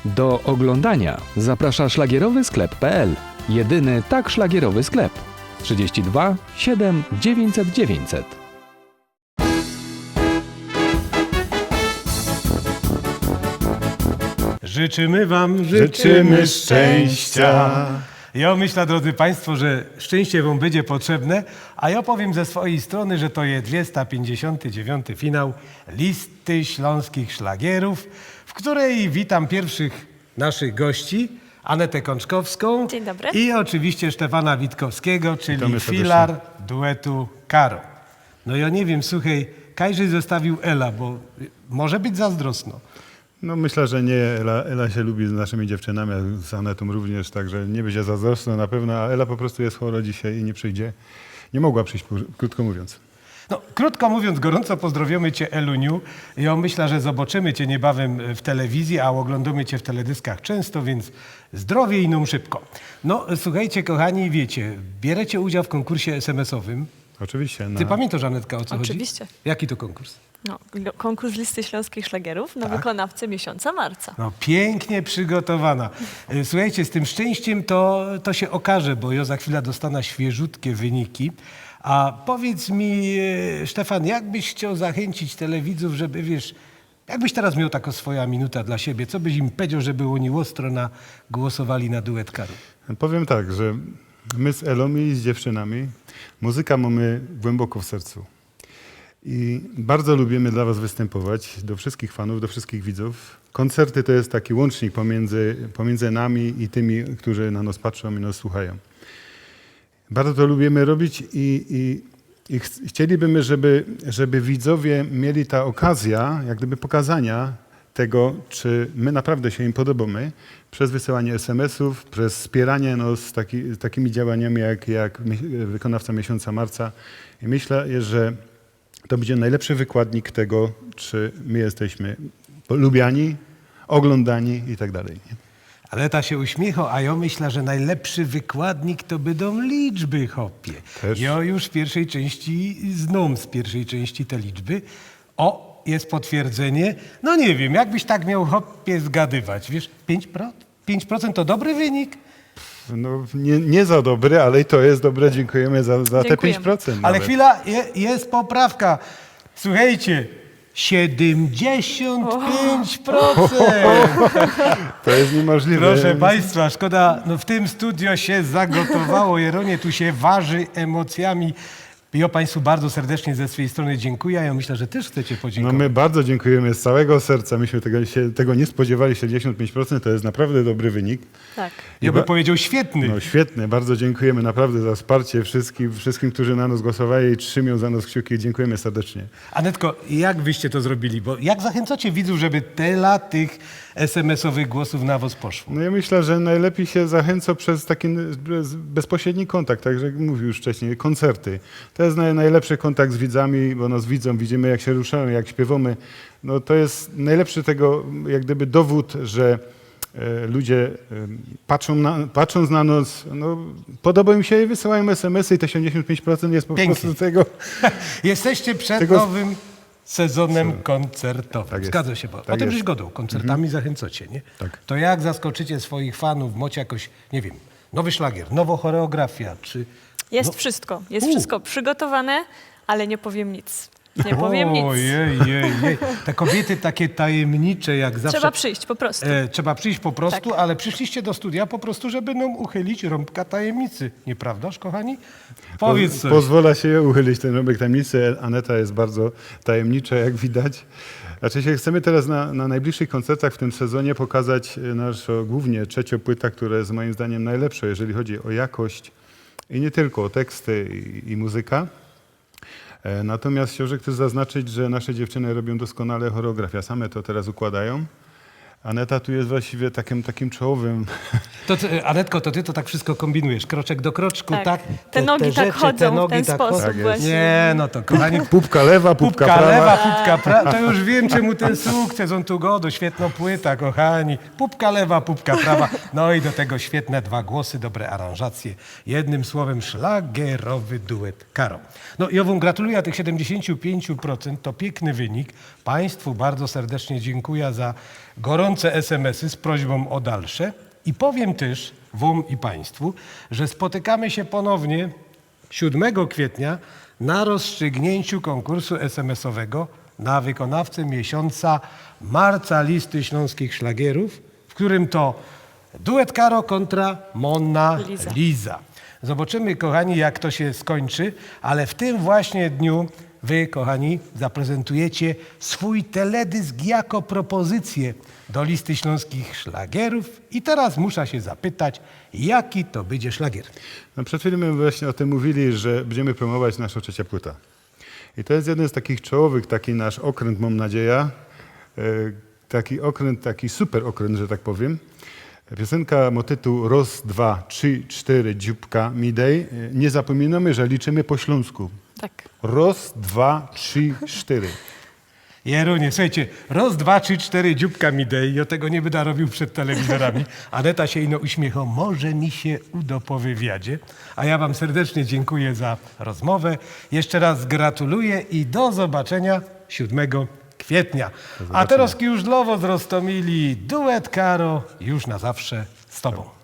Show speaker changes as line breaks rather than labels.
Do oglądania zaprasza szlagierowy sklep.pl. Jedyny tak szlagierowy sklep. 32 7 900 900.
Życzymy wam,
Życzymy szczęścia.
Ja myślę, drodzy Państwo, że szczęście wam będzie potrzebne, a ja powiem ze swojej strony, że to jest 259. finał Listy Śląskich Szlagierów, w której witam pierwszych naszych gości, Anetę Kączkowską.
Dzień dobry.
I oczywiście Stefana Witkowskiego, czyli
Witamy serdecznie.
filar duetu Karo. No ja nie wiem, słuchaj, Kajży zostawił Ela, bo może być zazdrosno.
No myślę, że nie. Ela się lubi z naszymi dziewczynami, a z Anetą również, także nie będzie zazdrosna na pewno, a Ela po prostu jest chora dzisiaj i nie przyjdzie. Nie mogła przyjść, krótko mówiąc.
No, krótko mówiąc, gorąco pozdrowiamy Cię, Eluniu. Ja myślę, że zobaczymy Cię niebawem w telewizji, a oglądamy Cię w teledyskach często, więc zdrowie i num szybko. No, słuchajcie, kochani, wiecie, bierzecie udział w konkursie SMS-owym.
Oczywiście.
Ty pamiętasz, Anetka, o co chodzi?
Oczywiście.
Jaki to konkurs?
No, konkurs Listy Śląskich Szlagierów na wykonawcę miesiąca marca.
No, pięknie przygotowana. Słuchajcie, z tym szczęściem to się okaże, bo ja za chwilę dostanę świeżutkie wyniki. A powiedz mi, Stefan, jak byś chciał zachęcić telewidzów, żeby, wiesz, jakbyś teraz miał taką swoja minuta dla siebie, co byś im powiedział, żeby oni ostro głosowali na duet Karu?
Powiem tak, że my z Elą i z dziewczynami muzyka mamy głęboko w sercu. I bardzo lubimy dla was występować, do wszystkich fanów, do wszystkich widzów. Koncerty to jest taki łącznik pomiędzy nami i tymi, którzy na nas patrzą i nas słuchają. Bardzo to lubimy robić i chcielibyśmy, żeby widzowie mieli ta okazja, jak gdyby pokazania tego, czy my naprawdę się im podobamy, przez wysyłanie SMS-ów, przez wspieranie nas takimi działaniami jak wykonawca miesiąca marca. I myślę, że to będzie najlepszy wykładnik tego, czy my jesteśmy lubiani, oglądani i tak dalej.
Aneta się uśmiecha, a ja myślę, że najlepszy wykładnik to będą liczby, hopie.
Też.
Ja już w pierwszej części znam z pierwszej części te liczby. O, jest potwierdzenie. No nie wiem, jakbyś tak miał, hopie, zgadywać, wiesz, 5%? 5% to dobry wynik?
No, nie za dobre, ale i to jest dobre. Dziękujemy za te
Dziękujemy.
5%.
Ale
nawet.
chwila, jest poprawka. Słuchajcie, 75%.
To jest niemożliwe.
Proszę Państwa, szkoda, no w tym studio się zagotowało, Jeronie, tu się waży emocjami. Ja Państwu bardzo serdecznie ze swojej strony dziękuję, ja myślę, że też chcecie
No
podziękować.
my bardzo dziękujemy z całego serca. Myśmy tego nie spodziewali. 75% to jest naprawdę dobry wynik.
Tak.
Ja bym powiedział świetny.
No świetnie, bardzo dziękujemy naprawdę za wsparcie wszystkim, którzy na nas głosowali i trzymią za nas kciuki. Dziękujemy serdecznie.
Anetko, jak wyście to zrobili? Bo jak zachęcacie widzów, żeby tyle tych SMS-owych głosów na was poszło?
No ja myślę, że najlepiej się zachęca przez taki bezpośredni kontakt, tak jak mówił już wcześniej, koncerty. To jest najlepszy kontakt z widzami, bo nas widzą, widzimy jak się ruszamy, jak śpiewamy. No to jest najlepszy tego jak gdyby dowód, że ludzie patrząc na nas, no, podoba im się i wysyłają SMS-y i te 75% jest po
Pięknie.
prostu tego.
Jesteście przed
Tego-
nowym sezonem koncertowym.
Tak jest.
Zgadza się, bo
Tak
o tym
jest.
żeś godą. Koncertami zachęcacie, nie?
Tak.
To jak zaskoczycie swoich fanów? Macie jakoś, nie wiem, nowy szlagier, nowa choreografia, czy...
Jest wszystko. Jest wszystko przygotowane, ale nie powiem nic. Nie powiem nic.
Ojej. Te kobiety takie tajemnicze, jak zawsze.
Trzeba przyjść po prostu.
Trzeba przyjść po prostu,
Tak.
ale przyszliście do studia po prostu, żeby nam uchylić rąbka tajemnicy. Nieprawdaż, kochani? Powiedz coś.
Pozwala się uchylić ten rąbek tajemnicy. Aneta jest bardzo tajemnicza, jak widać. Znaczy chcemy teraz na najbliższych koncertach w tym sezonie pokazać naszą głównie trzecią płytę, która jest moim zdaniem najlepsza, jeżeli chodzi o jakość i nie tylko o teksty i muzyka. Natomiast chciałbym też zaznaczyć, że nasze dziewczyny robią doskonale choreografię. Same to teraz układają. Aneta tu jest właściwie takim czołowym.
Anetko, to ty to tak wszystko kombinujesz, kroczek do kroczku, tak?
Tak. Te nogi tak chodzą w ten sposób
Tak jest.
właśnie.
Nie, no to kochani,
Pupka lewa, pupka
pupka
prawa.
lewa, pupka prawa, to już wiem czemu ten sukces, on tu godo, świetna płyta, kochani. Pupka lewa, pupka prawa, no i do tego świetne dwa głosy, dobre aranżacje. Jednym słowem szlagierowy duet Karo. No ja wam gratuluję tych 75%, to piękny wynik. Państwu bardzo serdecznie dziękuję za gorące bieżące SMS-y z prośbą o dalsze. I powiem też wam i państwu, że spotykamy się ponownie 7 kwietnia na rozstrzygnięciu konkursu SMS-owego na wykonawcę miesiąca marca listy śląskich szlagierów, w którym to duet Karo kontra Monna Liza. Zobaczymy, kochani, jak to się skończy, ale w tym właśnie dniu wy, kochani, zaprezentujecie swój teledysk jako propozycję do listy śląskich szlagierów. I teraz muszę się zapytać, jaki to będzie szlagier?
No przed chwilą my właśnie o tym mówili, że będziemy promować naszą trzecią płytę. I to jest jeden z takich czołowych, taki nasz okręt, mam nadzieję. Taki okręt, taki super okręt, że tak powiem. Piosenka ma tytuł Raz, 2, 3, 4, dzióbka mi dej. Nie zapominamy, że liczymy po śląsku.
Tak.
Raz, 2, 3, 4.
Jerunie, słuchajcie, raz, 2, 3, 4, dzióbka mi dej. Ja tego nie będę robił przed telewizorami. Aneta się ino uśmiecha, może mi się uda po wywiadzie. A ja wam serdecznie dziękuję za rozmowę. Jeszcze raz gratuluję i do zobaczenia 7 kwietnia. A teraz już dla was z Rostomili duet Karo już na zawsze z tobą.